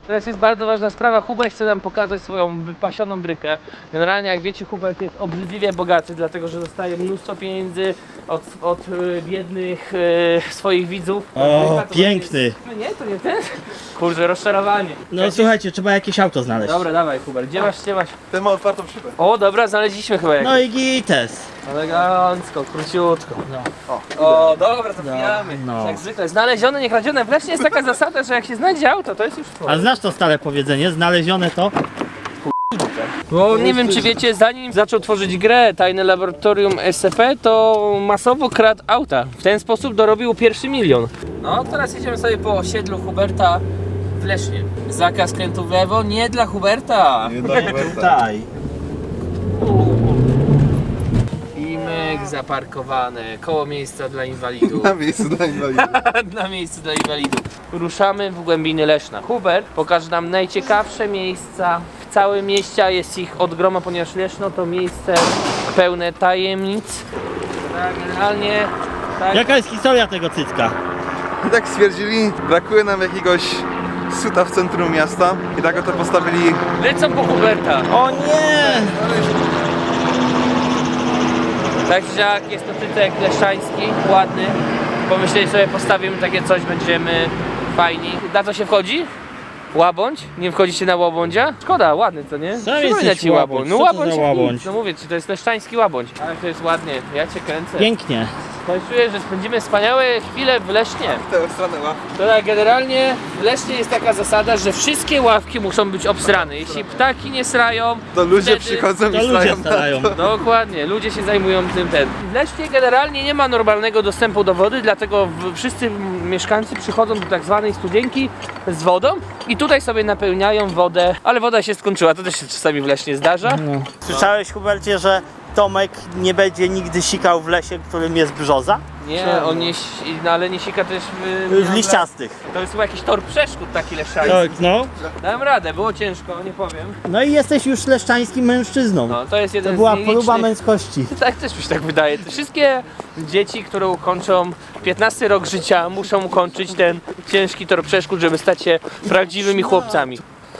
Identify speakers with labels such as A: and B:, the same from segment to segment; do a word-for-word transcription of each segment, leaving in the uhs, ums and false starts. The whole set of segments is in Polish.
A: Teraz jest bardzo ważna sprawa. Hubert chce nam pokazać swoją wypasioną brykę. Generalnie, jak wiecie, Hubert jest obrzydliwie bogaty, dlatego że dostaje mnóstwo pieniędzy od, od y, biednych y, swoich widzów.
B: O,
A: To
B: piękny.
A: Jest... No nie, to nie ten? Kurczę, rozczarowanie.
B: No
A: Jakiś...
B: słuchajcie, trzeba jakieś auto znaleźć.
A: Dobra, dawaj Hubert, gdzie masz, gdzie masz?
C: Ten ma otwartą szybę.
A: O, dobra, znaleźliśmy chyba jakieś.
B: No i gites.
A: Elegancko, króciutko.
B: No.
A: O, o dobra, to pijamy.
B: no.
A: Jak zwykle, znalezione, nie kradzione. W Lesznie jest taka zasada, że jak się znajdzie auto, to jest już twoje.
B: A znasz to stare powiedzenie, znalezione to?
A: Bo nie wiem czy wiecie, zanim zaczął tworzyć grę Tajne Laboratorium S C P, to masowo kradł auta. W ten sposób dorobił pierwszy milion. No teraz jedziemy sobie po osiedlu Huberta w Lesznie. Zakaz skrętu w lewo nie dla Huberta.
C: Nie da
B: Tutaj.
A: I myk zaparkowane, koło miejsca dla inwalidów.
C: Na miejscu dla inwalidów.
A: Na miejscu dla inwalidów. Ruszamy w głębiny Leszna. Hubert pokaże nam najciekawsze miejsca w całym mieście, a jest ich od groma, ponieważ Leszno to miejsce pełne tajemnic. Tak, generalnie tak.
B: Jaka jest historia tego cycka?
C: I tak stwierdzili, brakuje nam jakiegoś suta w centrum miasta i tak oto postawili...
A: Lecą po Huberta.
B: O nie!
A: Także jak jest to tytek leszczański, ładny. Pomyśleli sobie, postawimy takie coś, będziemy fajni. Na co się wchodzi? Łabądź? Nie wchodzicie na łabądzia? Szkoda, ładny to nie?
B: Sam
A: Przypomina
B: jesteś
A: ci
B: łabądź.
A: No
B: Co to
A: łabądź,
B: za
A: jak nic.
B: łabądź?
A: No mówię ci, to jest leszczański łabądź. Ale to jest ładnie, ja cię kręcę.
B: Pięknie.
A: To czuję, że spędzimy wspaniałe chwile w Lesznie.
C: Tę stronę łapki.
A: To tak, generalnie w Lesznie jest taka zasada, że wszystkie ławki muszą być obsrane. Jeśli ptaki nie srają,
C: To ludzie
A: wtedy...
C: przychodzą
B: To
C: i
B: ludzie
C: stają
B: starają.
C: na to.
A: Dokładnie, ludzie się zajmują tym ten. W Lesznie generalnie nie ma normalnego dostępu do wody, dlatego w, wszyscy mieszkańcy przychodzą do tak zwanej studzienki z wodą i tutaj sobie napełniają wodę, ale woda się skończyła, to też się czasami w Lesznie zdarza.
B: No. Słyszałeś, Hubercie, że Tomek nie będzie nigdy sikał w lesie, którym jest brzoza?
A: Nie, on nie, si- no ale nie sika też w,
B: W liściastych.
A: To jest chyba jakiś tor przeszkód taki leszczański.
B: Tak, no.
A: Dałem radę, było ciężko, nie powiem.
B: No i jesteś już leszczańskim mężczyzną.
A: No, to jest jeden
B: To była
A: z nielicznych...
B: próba męskości.
A: Tak, też mi się tak wydaje. Wszystkie dzieci, które ukończą piętnasty rok życia, muszą ukończyć ten ciężki tor przeszkód, żeby stać się prawdziwymi chłopcami.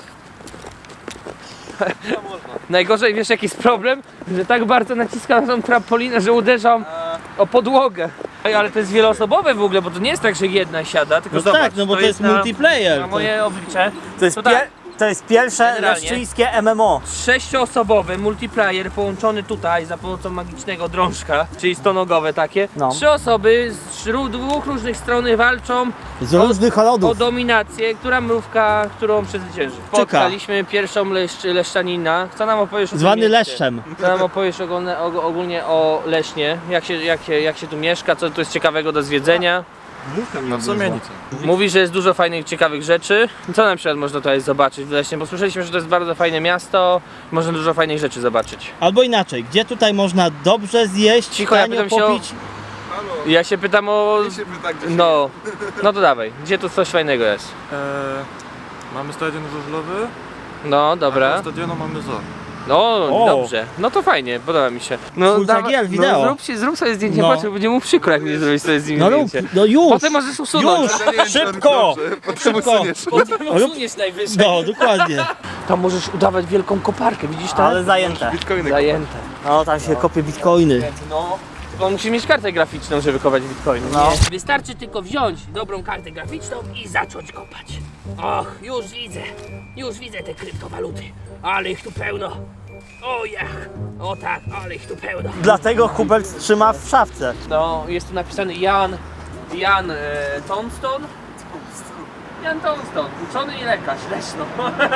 A: Najgorzej, wiesz jaki jest problem? Że tak bardzo naciskam na tą trampolinę, że uderzam o podłogę. Ej, ale to jest wieloosobowe w ogóle, bo to nie jest tak, że jedna siada, tylko
B: No
A: zobacz,
B: tak, no bo to jest
A: na,
B: multiplayer.
A: na moje oblicze.
B: To jest,
A: To
B: pie-
A: tak.
B: to jest pierwsze
A: Generalnie.
B: leszczyńskie M M O.
A: Sześcioosobowy multiplayer połączony tutaj za pomocą magicznego drążka, czyli stonogowe takie.
B: No.
A: Trzy osoby z ró- dwóch różnych stron walczą
B: Z
A: o-
B: różnych
A: o
B: rodów.
A: dominację, która mrówka, którą przezwycięży. Spotkaliśmy pierwszą leszcz, leszczanina. Co nam opowiesz o tym
B: Zwany
A: mieście?
B: leszczem.
A: Co nam opowiesz ogólnie, og- ogólnie o Lesznie? Jak się, jak, się, jak się tu mieszka? Co tu jest ciekawego do zwiedzenia?
C: No w sumie nic.
A: Mówi, że jest dużo fajnych, ciekawych rzeczy. Co na przykład można tutaj zobaczyć w Lesznie? Bo słyszeliśmy, że to jest bardzo fajne miasto. Można dużo fajnych rzeczy zobaczyć.
B: Albo inaczej, gdzie tutaj można dobrze zjeść,
A: Cicho, ja
B: tanio
A: pytam się o-
B: popić?
C: Halo,
A: Ja się pytam o...
C: nie się pyta, gdzie się...
A: No, no to dawaj. Gdzie tu coś fajnego jest?
D: Eee, mamy stadion żużlowy,
A: No,
D: a
A: dobra.
D: na stadionu mamy zoo.
A: No,
B: O.
A: dobrze. No to fajnie, podoba mi się. No,
B: Full
A: dawa-
B: cagiel, wideo.
A: no zrób, się, zrób sobie zdjęcie,
B: No.
A: patrz, będzie mu przykro, jak nie zrobić sobie z nim
B: No rób,
A: zdjęcie.
B: no już!
A: Potem możesz usunąć.
B: Już!
C: Ja nie wiem, czy on
B: Szybko!
C: dobrze, Potem
B: Szybko!
C: usuniesz.
A: Potem usuniesz najwyżej.
B: No, dokładnie.
A: Tam możesz udawać wielką koparkę, widzisz tam?
B: Ale zajęte.
C: Bitcoiny.
A: Zajęte.
B: No, tam się kopie bitcoiny.
A: No. Tylko musisz mieć kartę graficzną, żeby kopać bitcoiny.
B: No.
A: Nie. Wystarczy tylko wziąć dobrą kartę graficzną i zacząć kopać. Och, już widzę. Już widzę te kryptowaluty. Ale ich tu pełno. O jach. O tak, ale ich tu pełno.
B: Dlatego Hubert trzyma w szafce.
A: No, jest tu napisany Jan, Jan e, Tonston. Jan Tonston, uczony i lekarz, Leszno.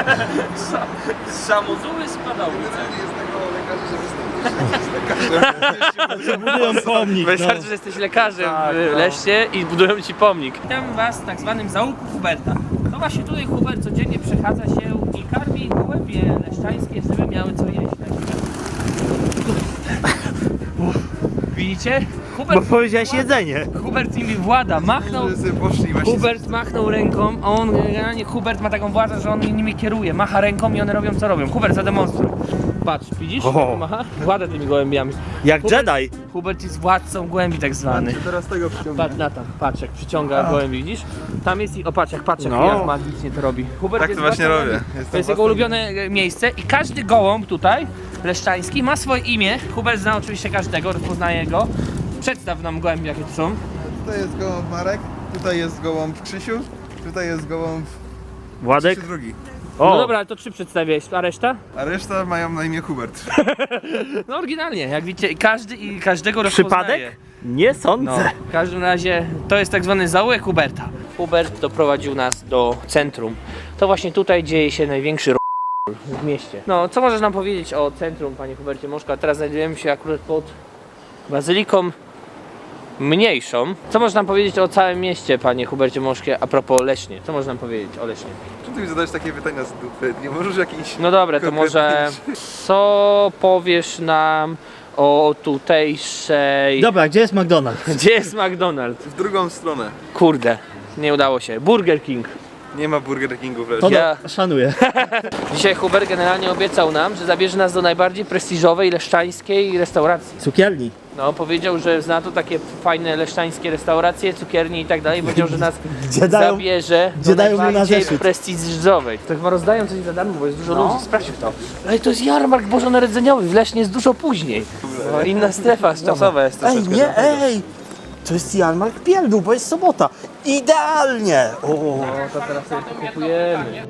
A: Z Samozuły Składowice.
C: Generalnie jest tego lekarza, że wystąpisz.
B: Budują pomnik, no.
A: Wystarczy, że jesteś lekarzem
B: Tak,
A: w
B: no.
A: Lesznie i budują ci pomnik. Witam was w tak zwanym zaułku Huberta. To właśnie tutaj Hubert codziennie przechadza się i karmi gołębie leszczańskie, żeby miały co jeść. Widzicie?
B: Bo
A: Hubert,
B: powiedziałeś jedzenie.
A: Hubert nimi włada, machnął.
C: Że sobie poszli właśnie.
A: Hubert machnął ręką, a on generalnie Hubert ma taką władzę, że on nimi kieruje, macha ręką i one robią co robią. Hubert, zademonstruj. Patrz, widzisz?
B: O.
A: Macha? Włada tymi gołębiami.
B: Jak
A: Hubert-
B: Jedi.
A: Hubert jest władcą gołębi tak zwany.
C: Teraz tego przyciągnę.
A: Patrz na to, patrz jak przyciąga gołębi, widzisz? Tam jest i o patrz jak patrz jak,
B: No.
A: jak magicznie to robi. Hubert
C: Tak
A: jest
C: to właśnie
A: władcą
C: robię.
A: gołębi.
C: Jestem
A: To jest jego
C: własnym-
A: ulubione e, miejsce i każdy gołąb tutaj, leszczański, ma swoje imię. Hubert zna oczywiście każdego, rozpoznaje go. Przedstaw nam gołębi jakie to są.
C: Tutaj jest gołąb Marek, tutaj jest gołąb Krzysiu, tutaj jest gołąb
B: Władek.
C: Krzysiu drugi.
A: No
B: O,
A: dobra, ale to trzy przedstawiłeś, a reszta?
C: A reszta mają na imię Hubert.
A: No oryginalnie, jak widzicie, każdy i każdego rozpoznaje.
B: przypadek? Nie sądzę.
A: No, w każdym razie to jest tak zwany zaułek Huberta. Hubert doprowadził nas do centrum. To właśnie tutaj dzieje się największy r... w mieście. No, co możesz nam powiedzieć o centrum, panie Hubercie Moszka? Teraz znajdujemy się akurat pod bazyliką mniejszą. Co możesz nam powiedzieć o całym mieście, panie Hubercie Moszkie, a propos Lesznie? Co możesz nam powiedzieć o Lesznie?
C: Czemu ty mi zadajesz takie pytania z dupy? Nie możesz jakiś...
A: No dobra, to może co powiesz nam o tutejszej...
B: Dobra, gdzie jest McDonald's?
A: Gdzie jest McDonald's?
C: W drugą stronę.
A: Kurde, nie udało się. Burger King.
C: Nie ma Burger Kingu w
B: To
C: Lesznie.
A: Ja-
B: do, szanuję.
A: Dzisiaj Hubert generalnie obiecał nam, że zabierze nas do najbardziej prestiżowej leszczańskiej restauracji.
B: Cukierni.
A: No, powiedział, że zna tu takie fajne leszczańskie restauracje, cukiernie i tak dalej. Powiedział, że nas
B: Gdzie dają-
A: zabierze
B: gdzie
A: do
B: dają mu na
A: najbardziej
B: zeszyt.
A: prestiżowej. To chyba rozdają coś za darmo, bo jest dużo ludzi. Sprawdź w to. Ale to jest jarmark bożonarodzeniowy, w Lesznie jest dużo później. No, inna strefa czasowa jest
B: Ej,
A: troszeczkę.
B: nie, ej! To jest jarmark pierdół, bo jest sobota. Idealnie! O,
A: No, to teraz sobie to kupujemy.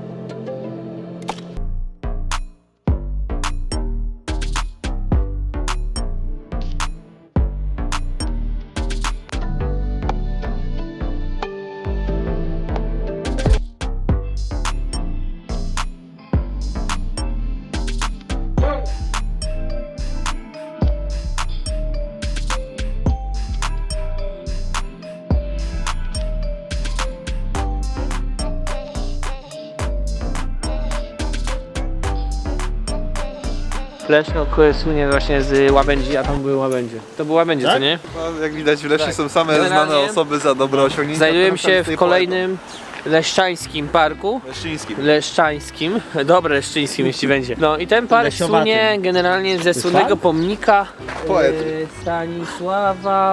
A: Leszno słynie właśnie z łabędzi, a tam były łabędzie. To były łabędzie,
B: Tak?
A: co nie?
C: No, jak widać w Lesznie
A: Tak.
C: są same
A: Generalnie
C: znane osoby za dobre osiągnięcia.
A: Znajdujemy się w
C: Tej
A: kolejnym leszczańskim parku.
C: poety. Leszczyńskim.
A: Leszczańskim, dobre leszczyńskim jeśli będzie. No i ten park
B: Lesiowatym.
A: słynie generalnie ze słynnego
B: park?
A: pomnika
C: Poety.
A: e, Stanisława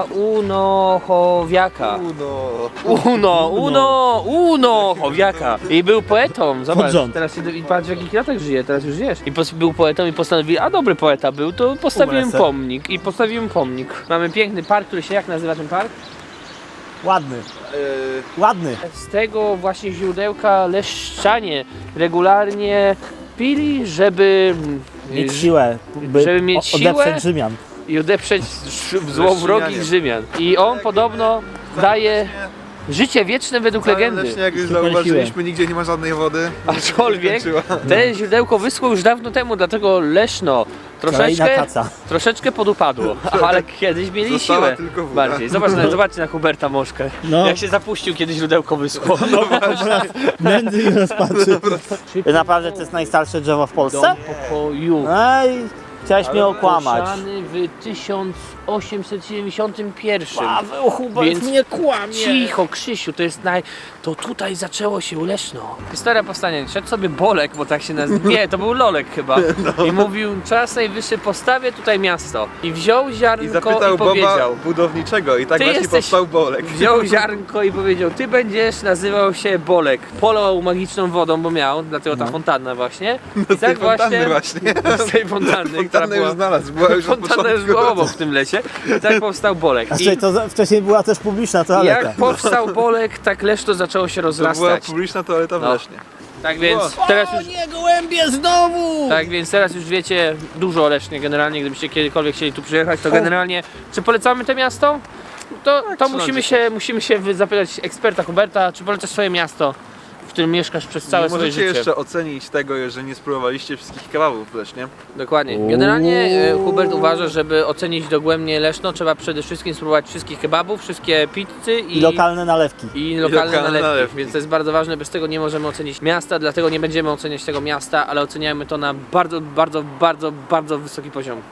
A: Unochowiaka.
C: Uno.
A: Uno, Uno, Unochowiaka. I był poetą, zobacz,
B: rząd.
A: teraz się, i patrz w jakich latach żyje, teraz już wiesz. I pos, był poetą i postanowił, a dobry poeta był, to postawiłem
B: Umrę se.
A: pomnik. I postawiłem pomnik. Mamy piękny park, który się jak nazywa ten park?
B: ładny,
C: Yy,
B: ładny.
A: Z tego właśnie źródełka leszczanie regularnie pili, żeby
B: Mieć siłę, by
A: żeby mieć
B: o-
A: siłę.
B: odeprzeć Rzymian.
A: i odeprzeć ż- złowrogich Rzymian. I on podobno daje życie wieczne według legendy.
C: Leśnie, jak już
B: Super
C: zauważyliśmy, nigdzie nie ma żadnej wody.
A: Aczkolwiek
C: Skończyła.
A: te źródełko wyschło już dawno temu, dlatego Leszno
B: Kolejna
A: troszeczkę,
B: kaca.
A: troszeczkę podupadło, ale kiedyś mieli
C: Została
A: siłę
C: tylko woda.
A: bardziej. Zobacz, na- zobaczcie na Huberta Moszkę,
B: No.
A: jak się zapuścił, kiedy źródełko wyschło.
B: Nędzy i rozpaczy. Naprawdę to jest najstarsze drzewo w
A: Dom
B: Polsce?
A: pokoju.
B: Ej, chciałeś mnie okłamać.
A: Ogłoszony w tysiąc osiemset siedemdziesiątym pierwszym.
B: Paweł Hubert
A: Więc
B: mnie kłamie.
A: Cicho, Krzysiu, to jest naj... To tutaj zaczęło się Leszno. Historia powstania. Szedł sobie Bolek, bo tak się nazywa. Nie, to był Lolek chyba. I mówił, czas najwyższy postawię tutaj miasto. I wziął ziarnko
C: I
A: i,
C: zapytał Boba
A: powiedział.
C: budowniczego i tak
A: Ty
C: właśnie
A: jesteś-
C: powstał Bolek.
A: Wziął ziarnko i powiedział, ty będziesz nazywał się Bolek. Polał magiczną wodą, bo miał, dlatego ta fontanna właśnie. I
C: Z tej fontanny właśnie.
A: Z tej fontanny, która
C: Fontannę już
A: była...
C: znalazł, była już od
A: Fontanna już
C: początku.
A: była obok w tym lecie. I tak powstał Bolek.
B: A
A: I
B: słuchaj, to za- wcześniej była też publiczna toaleta.
A: jak powstał Bolek, tak Leszno zaczęło się
C: To była
A: rozrastać.
C: publiczna toaleta w
A: No.
C: Lesznie.
A: Tak więc teraz już,
B: nie, gołębie znowu!
A: tak więc teraz już wiecie dużo o Lesznie generalnie, gdybyście kiedykolwiek chcieli tu przyjechać, to generalnie czy polecamy to miasto? To, to musimy się, musimy się wy- zapytać eksperta Huberta, czy polecasz swoje miasto, w którym mieszkasz przez całe
C: Nie
A: swoje
C: możecie
A: życie.
C: jeszcze ocenić tego, że nie spróbowaliście wszystkich kebabów w Lesznie.
A: Dokładnie. Generalnie e, Hubert uważa, żeby ocenić dogłębnie Leszno, trzeba przede wszystkim spróbować wszystkich kebabów, wszystkie pizzy i,
B: I lokalne nalewki.
A: i lokalne,
C: lokalne
A: nalewki.
C: nalewki.
A: Więc to jest bardzo ważne, bez tego nie możemy ocenić miasta, dlatego nie będziemy oceniać tego miasta, ale oceniamy to na bardzo, bardzo, bardzo, bardzo wysoki poziom.